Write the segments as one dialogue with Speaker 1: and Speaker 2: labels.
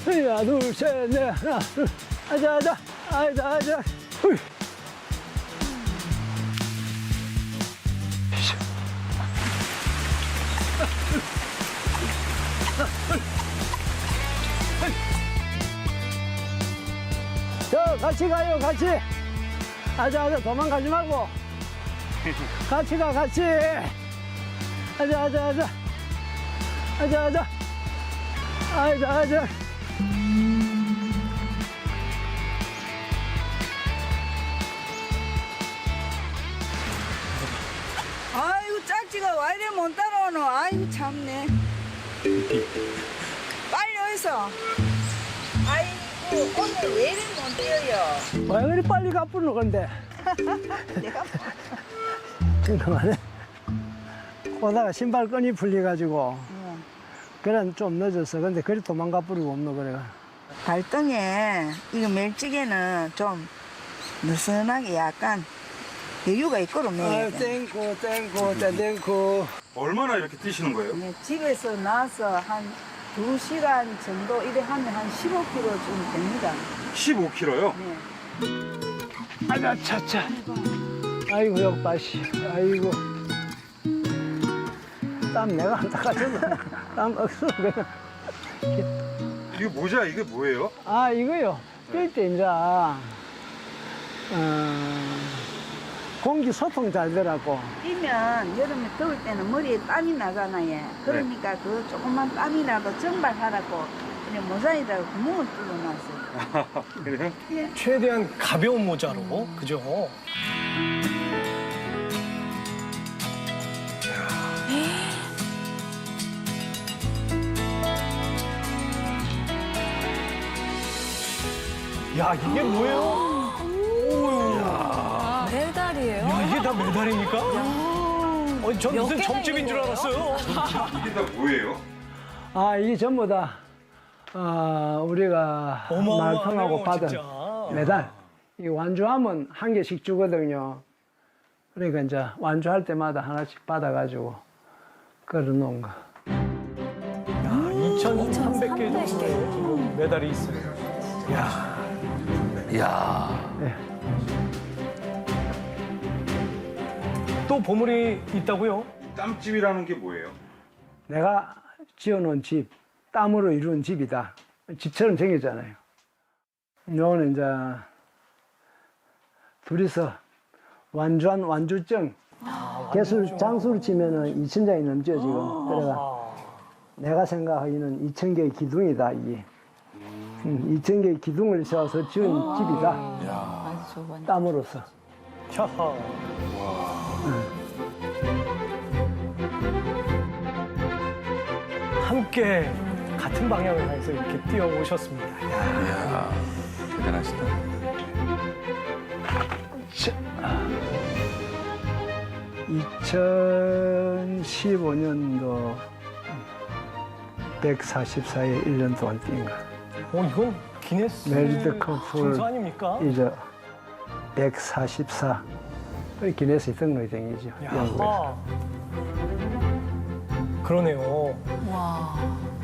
Speaker 1: 하나, 둘, 셋, 넷, 하나, 둘. 아자, 아자, 아자, 아자. hui. 저 같이 가요, 같이. 아자, 아자, 도망가지 말고. 같이 가, 같이. 아자, 아자, 아자. 아자, 아자. 아자, 아자.
Speaker 2: 아이고 짝지가 와 이래 못 따라오노. 아이고 참네. 빨리 어디서. 아이고 오늘 왜 이래 못 뛰어요.
Speaker 1: 왜 그리 빨리 가쁘노, 근데?
Speaker 2: 내가
Speaker 1: 그만해. 오다가 신발끈이 풀려가지고. 그래, 좀 늦었어. 근데 그리 도망가 버리고 없노, 그래가.
Speaker 2: 발등에 이거 멸치게는 좀 느슨하게 약간 여유가 있거든.
Speaker 1: 아유, 땡코, 땡코, 땡코.
Speaker 3: 얼마나 이렇게 뛰시는 거예요?
Speaker 2: 집에서 나와서 한 2시간 정도 이래 하면 한 15km 좀 됩니다.
Speaker 3: 15km요?
Speaker 2: 네.
Speaker 1: 아자, 차차. 아이고, 역바시. 아이고. 땀 내가 안 닦아줘도 땀 억수로 그냥.
Speaker 3: 이게 모자 이게 뭐예요?
Speaker 1: 아, 이거요. 뛸 때 이제, 공기 소통 잘 되라고.
Speaker 2: 뛰면 여름에 더울 때는 머리에 땀이 나잖아요. 그러니까 그 조금만 땀이라도 증발하라고 그냥 모자에다가 구멍을 뚫어놨어요.
Speaker 3: 그래요?
Speaker 4: 최대한 가벼운 모자로, 그죠? 야, 이게 뭐예요? 오우.
Speaker 5: 메달이에요?
Speaker 4: 야, 이게 다 메달입니까? 아니, 전
Speaker 5: 몇
Speaker 4: 무슨
Speaker 5: 개나
Speaker 4: 점집인
Speaker 5: 있는
Speaker 4: 줄
Speaker 5: 거예요?
Speaker 4: 알았어요.
Speaker 3: 이게 다 뭐예요?
Speaker 1: 아, 이게 전부 다, 우리가 말통하고
Speaker 4: 어마어마하네요,
Speaker 1: 받은
Speaker 4: 진짜.
Speaker 1: 메달. 이 완주하면 한 개씩 주거든요. 그러니까 이제 완주할 때마다 하나씩 받아가지고 걸어놓은 거.
Speaker 4: 야, 2,300개 정도의 지금 메달이 있어요. 야,
Speaker 1: 예.
Speaker 4: 또 보물이 있다고요?
Speaker 3: 땀집이라는 게 뭐예요?
Speaker 1: 내가 지어놓은 집, 땀으로 이룬 집이다. 집처럼 생겼잖아요. 요거는 이제 둘이서 완주한 완주증. 개수, 장수를 치면은 2,000장이 넘죠, 지금. 그래가 내가 생각하기는 2,000개의 기둥이다, 이게. 2,000개의 기둥을 세워서 지은 집이다.
Speaker 5: 아주 좋은.
Speaker 1: 땀으로써.
Speaker 4: 캬하. 함께 같은 방향을 향해서 이렇게 뛰어오셨습니다. 야,
Speaker 6: 이야, 대단하시다.
Speaker 1: 2015년도 144에 1년 동안 뛴 거.
Speaker 4: 이건 기네스
Speaker 1: 메리트
Speaker 4: 순서
Speaker 1: 커플
Speaker 4: 아닙니까?
Speaker 1: 이제 144. 그 기네스 등록이 생기죠. 영국에서.
Speaker 4: 야, 그러네요.
Speaker 5: 와.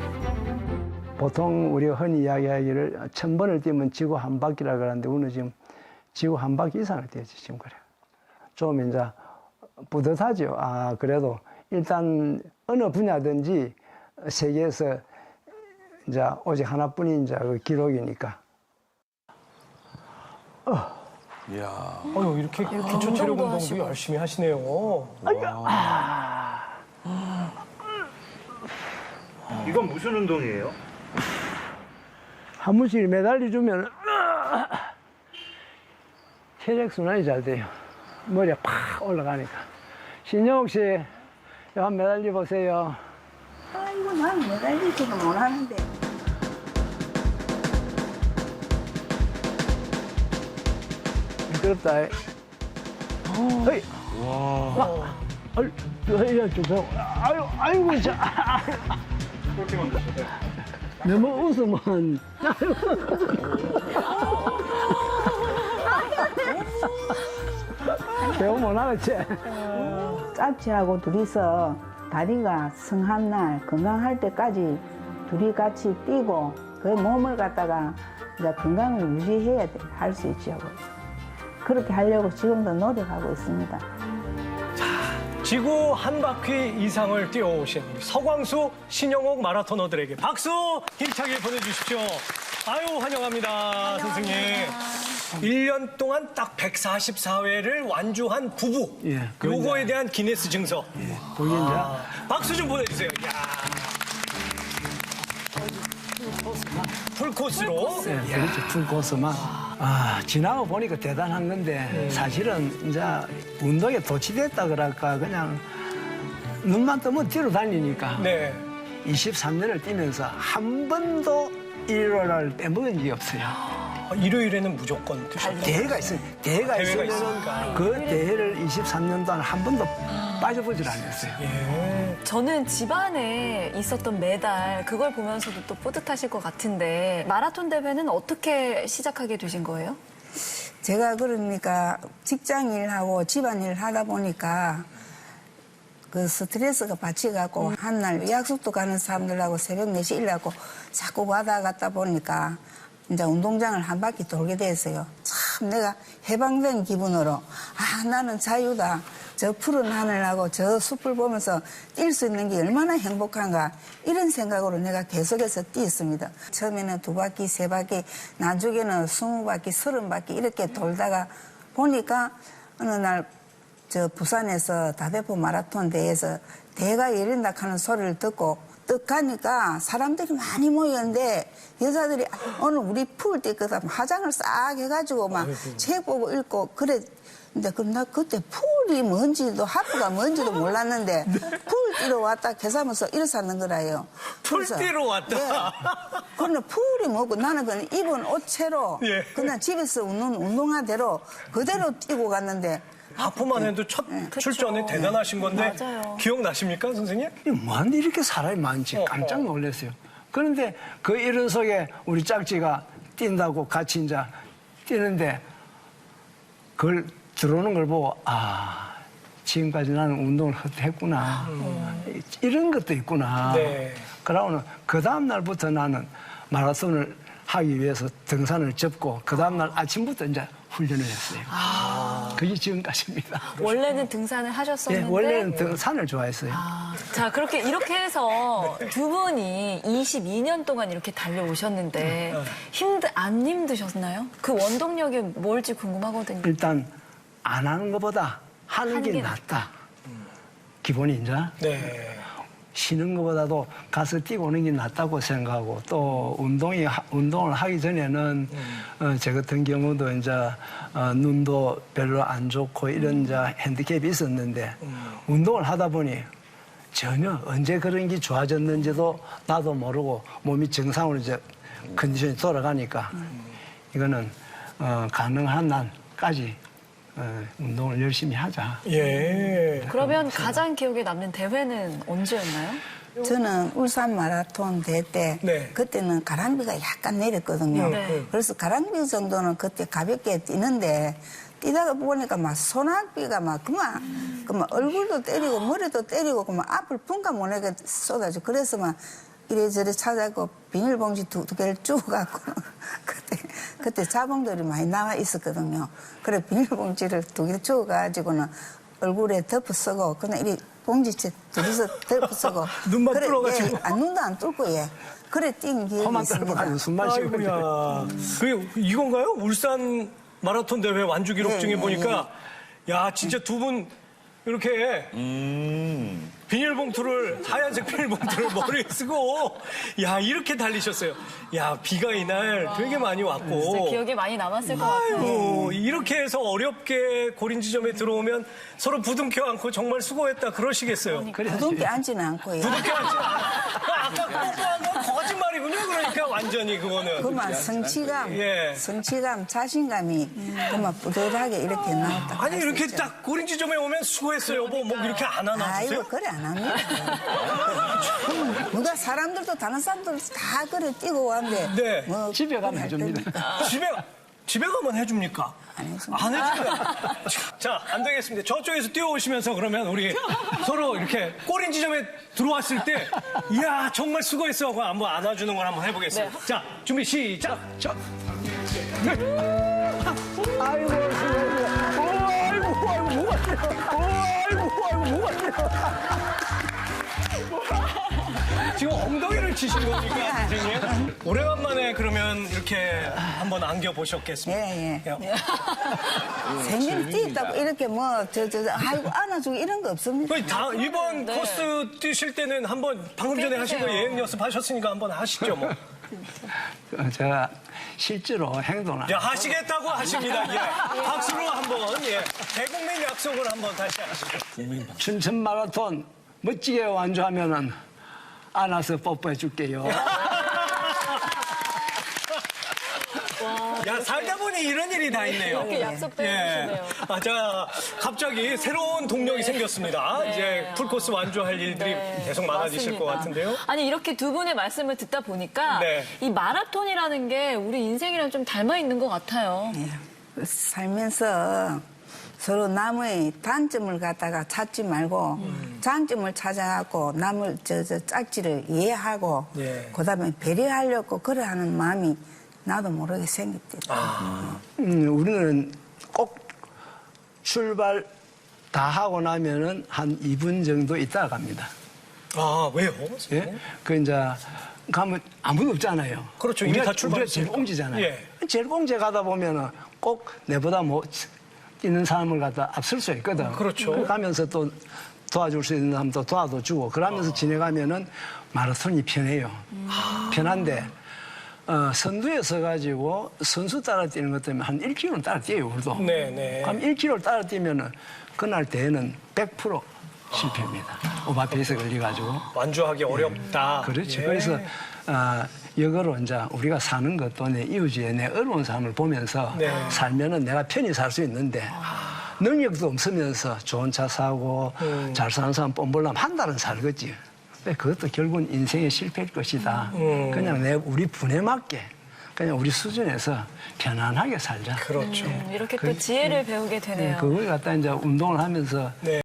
Speaker 1: 보통 우리가 흔히 이야기하기를 1,000번을 뛰면 지구 한 바퀴라 그러는데 오늘 지금 지구 한 바퀴 이상을 뛰었지 지금 그래. 좀 이제 뿌듯하죠. 아, 그래도 일단 어느 분야든지 세계에서 이제 오직 하나뿐인 이제 그 기록이니까.
Speaker 6: 이야.
Speaker 4: 아유, 이렇게 기초 체력
Speaker 5: 운동도
Speaker 4: 운동도
Speaker 5: 하시고.
Speaker 4: 열심히 하시네요.
Speaker 3: 이건 무슨 운동이에요?
Speaker 1: 한 번씩 매달리 주면 혈액 순환이 잘 돼요. 머리가 팍 올라가니까. 신영욱 씨, 이거 한번 매달려 보세요.
Speaker 2: 아이고 난 매달리지도 못하는데.
Speaker 1: 미끄럽다. 헤이.
Speaker 4: 와.
Speaker 1: 아유, 이거 좀, 아이고, 자.
Speaker 3: 그렇게 만드셨어요?
Speaker 1: 너무 웃으면. 배우 못하겠지?
Speaker 2: 짭지하고 둘이서 다리가 성한 날 건강할 때까지 둘이 같이 뛰고 그 몸을 갖다가 이제 건강을 유지해야 할 수 있죠. 그렇게 하려고 지금도 노력하고 있습니다.
Speaker 4: 지구 한 바퀴 이상을 뛰어오신 우리 서광수, 신영옥 마라토너들에게 박수 힘차게 보내주십시오. 아유, 환영합니다, 선생님. 1년 동안 딱 144회를 완주한 부부.
Speaker 1: 예,
Speaker 4: 요거에 대한 기네스 증서.
Speaker 1: 거기 이제
Speaker 4: 박수 좀 보내주세요. 야. 풀코스로.
Speaker 1: 예, 그렇죠. 풀코스만. 지나고 보니까 대단한 건데, 사실은 이제 운동에 도취됐다 그럴까, 그냥 눈만 뜨면 뒤로 달리니까.
Speaker 4: 네.
Speaker 1: 23년을 뛰면서 한 번도 일요일을 빼먹은 적이 없어요.
Speaker 4: 일요일에는 무조건 드셨다.
Speaker 1: 대회가 있어요. 대회가
Speaker 4: 대회가
Speaker 1: 있으면
Speaker 4: 있으니까.
Speaker 1: 그 대회를 23년 동안 한 번도 빠져보질 않았어요.
Speaker 5: 저는 집안에 있었던 메달 그걸 보면서도 또 뿌듯하실 것 같은데 마라톤 대회는 어떻게 시작하게 되신 거예요?
Speaker 2: 제가 그러니까 직장 일하고 집안일 하다 보니까 그 스트레스가 받쳐갖고 한날 약속도 가는 사람들하고 새벽 4시 일하고 자꾸 왔다 갔다 보니까 이제 운동장을 한 바퀴 돌게 됐어요. 참 내가 해방된 기분으로 나는 자유다. 저 푸른 하늘하고 저 숲을 보면서 뛸 수 있는 게 얼마나 행복한가 이런 생각으로 내가 계속해서 뛰었습니다. 처음에는 2바퀴, 3바퀴, 나중에는 20바퀴, 30바퀴 이렇게 돌다가 보니까 어느 날 저 부산에서 다대포 마라톤 대회에서 대회가 열린다 하는 소리를 듣고 떡 가니까 사람들이 많이 모였는데 여자들이 오늘 우리 풀 뛰거든 화장을 싹 해가지고 막 책 보고 읽고 그래. 근데 그럼 나 그때 풀이 뭔지도 하프가 뭔지도 몰랐는데 풀 뛰러 왔다 계산하면서 일어서는 거라요.
Speaker 4: 풀
Speaker 2: 그래서,
Speaker 4: 뛰러 왔다.
Speaker 2: 예. 그런데 풀이 뭐고 나는 그냥 입은 옷채로
Speaker 4: 예.
Speaker 2: 그냥 집에서 운동화대로 그대로 뛰고 갔는데
Speaker 4: 하프만 해도 첫 출전에 대단하신 건데
Speaker 5: 맞아요.
Speaker 4: 기억나십니까, 선생님?
Speaker 1: 뭐하는데 이렇게 사람이 많지 깜짝 놀랐어요. 그런데 그 이런 속에 우리 짝지가 뛴다고 같이 이제 뛰는데 그걸 들어오는 걸 보고 지금까지 나는 운동을 했구나. 이런 것도 있구나.
Speaker 4: 네.
Speaker 1: 그러고는 그 다음 날부터 나는 마라톤을 하기 위해서 등산을 접고 그 다음 날 아침부터 이제 훈련을 했어요. 그게 지금까지입니다.
Speaker 5: 원래는 등산을
Speaker 1: 예,
Speaker 5: 하셨었는데
Speaker 1: 원래는 등산을 좋아했어요.
Speaker 5: 자, 그렇게 이렇게 해서 두 분이 22년 동안 이렇게 달려오셨는데 안 힘드셨나요? 그 원동력이 뭘지 궁금하거든요.
Speaker 1: 일단 안 하는 것보다 하는 게 낫다. 기본이 이제
Speaker 4: 네.
Speaker 1: 쉬는 것보다도 가서 뛰고 오는 게 낫다고 생각하고 또 운동을 하기 전에는 저 같은 경우도 이제 눈도 별로 안 좋고 이런 이제 핸디캡이 있었는데 운동을 하다 보니 전혀 언제 그런 게 좋아졌는지도 나도 모르고 몸이 정상으로 이제 컨디션이 돌아가니까 이거는 가능한 날까지 운동을 열심히 하자.
Speaker 4: 예.
Speaker 5: 그러면 가장 기억에 남는 대회는 언제였나요?
Speaker 2: 저는 울산 마라톤 대회 때
Speaker 4: 네.
Speaker 2: 그때는 가랑비가 약간 내렸거든요.
Speaker 5: 네.
Speaker 2: 그래서 가랑비 정도는 그때 가볍게 뛰는데 뛰다가 보니까 막 소나비가 막 그만 얼굴도 때리고 머리도 때리고 그만 앞을 분간 못하게 쏟아져. 그래서 막 이래저래 찾아고 비닐봉지 두 개를 쭉 갖고 그때 자봉들이 많이 나와 있었거든요. 그래 비닐봉지를 2개 주워가지고는 얼굴에 덮어 쓰고 그냥 이 봉지채 둘이서 덮어 쓰고
Speaker 4: 눈만
Speaker 2: 그래,
Speaker 4: 뚫어가지고.
Speaker 2: 예, 눈도 안 뚫고 예. 그래 뛴 기억이
Speaker 1: 코만
Speaker 2: 있습니다.
Speaker 1: 떨고 숨만 쉬고
Speaker 4: 아이고야. 그게 이건가요? 울산 마라톤 대회 완주 기록 중에 보니까 야, 진짜 두 분 이렇게 비닐봉투를 하얀색 비닐봉투를 머리에 쓰고 야, 이렇게 달리셨어요. 야, 비가 이날 되게 많이
Speaker 5: 진짜
Speaker 4: 왔고.
Speaker 5: 기억에 많이 남았을 것 같아요.
Speaker 4: 아이고, 이렇게 해서 어렵게 고린 지점에 들어오면 서로 부둥켜 안고 정말 수고했다 그러시겠어요.
Speaker 2: 부둥켜 앉지는 않고 예.
Speaker 4: 부둥켜 안지 아까 뽀뽀한 건 거짓말이군요. 그러니까 완전히 그거는.
Speaker 2: 그만 성취감,
Speaker 4: 예.
Speaker 2: 성취감, 자신감이 그만 뿌듯하게 이렇게 나왔다.
Speaker 4: 아니 이렇게 딱 고린 지점에 오면 수고했어요. 여보 뭐 이렇게 안 하나
Speaker 2: 아이고
Speaker 4: 주세요?
Speaker 2: 그래 안 합니다. 누가 사람들도 다른 사람들도 다 그래 뛰고 왔는데
Speaker 4: 네.
Speaker 2: 뭐
Speaker 1: 집에 가면
Speaker 2: 그래 할
Speaker 1: 해줍니다.
Speaker 2: 겁니까?
Speaker 4: 집에 집에 가면 해줍니까?
Speaker 2: 안 해줍니다.
Speaker 4: 안 해줍니다. 자, 안 되겠습니다. 저쪽에서 뛰어오시면서 그러면 우리 서로 이렇게 꼬린 지점에 들어왔을 때, 이야, 정말 수고했어 하고 한번 안아주는 걸 한번 해보겠습니다. 자, 준비, 시작!
Speaker 1: 저. 아이고, 수고했어요. 아이고, 뭐가 돼요. 아이고, 뭐가 돼요.
Speaker 4: 지금 엉덩이를 치신 겁니까, 선생님? 오래간만에 그러면 이렇게 한번 안겨보셨겠습니까?
Speaker 2: 예. 생일 뛰었다고 이렇게 아이고, 안아주고 이런 거 없습니다.
Speaker 4: 거의 다 이번 코스 뛰실 때는 한번 방금 전에 하신 거 예행 연습하셨으니까 한번 하시죠, 뭐.
Speaker 1: 제가 실제로 행동을.
Speaker 4: 야, 하시겠다고 하십니다. 예. 박수로 한번, 예. 대국민 약속을 한번 다시 하시죠.
Speaker 1: 춘천 마라톤 멋지게 완주하면은 안아서 뽀뽀해 줄게요.
Speaker 4: 야, 살다 보니 이런 일이 다 있네요.
Speaker 5: 이렇게 약속도 해주시네요.
Speaker 4: 아, 자, 갑자기 새로운 동력이 생겼습니다. 이제 풀코스 완주할 일들이 계속 많아지실
Speaker 5: 맞습니다.
Speaker 4: 것 같은데요.
Speaker 5: 아니, 이렇게 두 분의 말씀을 듣다 보니까
Speaker 4: 네.
Speaker 5: 이 마라톤이라는 게 우리 인생이랑 좀 닮아 있는 것 같아요.
Speaker 2: 예. 살면서 서로 남의 단점을 갖다가 찾지 말고 장점을 찾아갖고 남을 짝지를 이해하고
Speaker 4: 예.
Speaker 2: 그다음에 배려하려고 그래하는 마음이 나도 모르게 생겼대요.
Speaker 1: 우리는 꼭 출발 다 하고 나면은 한 2분 정도 있다가 갑니다.
Speaker 4: 아, 왜요?
Speaker 1: 예? 그 이제 가면 아무도 없잖아요.
Speaker 4: 그렇죠. 이미 다
Speaker 1: 우리가 제일
Speaker 4: 출발했으니까.
Speaker 1: 공지잖아요.
Speaker 4: 예.
Speaker 1: 제일 공지 가다 보면은 꼭 내보다 뭐 뛰는 사람을 갖다 앞설 수 있거든.
Speaker 4: 그렇죠.
Speaker 1: 가면서 또 도와줄 수 있는 사람도 도와주고 그러면서 지내가면은 마라톤이 편해요. 편한데 선두에 서가지고 선수 따라 뛰는 것 때문에 한 1km는 따라 뛰어요, 우리도.
Speaker 4: 네.
Speaker 1: 그럼 1km를 따라 뛰면은 그날 대회는 100% 실패입니다. 오바페이스 걸려가지고.
Speaker 4: 완주하기 어렵다.
Speaker 1: 그렇죠.
Speaker 4: 예.
Speaker 1: 그래서 역으로 이제 우리가 사는 것도 내 이웃에 내 어려운 삶을 보면서
Speaker 4: 네.
Speaker 1: 살면은 내가 편히 살 수 있는데 능력도 없으면서 좋은 차 사고 잘 사는 사람 뽐보려면 한 달은 살겠지. 근데 그것도 결국은 인생의 실패일 것이다. 그냥 우리 분에 맞게 그냥 우리 수준에서 편안하게 살자.
Speaker 4: 그렇죠.
Speaker 5: 이렇게 또 지혜를 배우게 되네요.
Speaker 1: 그걸 갖다 이제 운동을 하면서
Speaker 4: 네.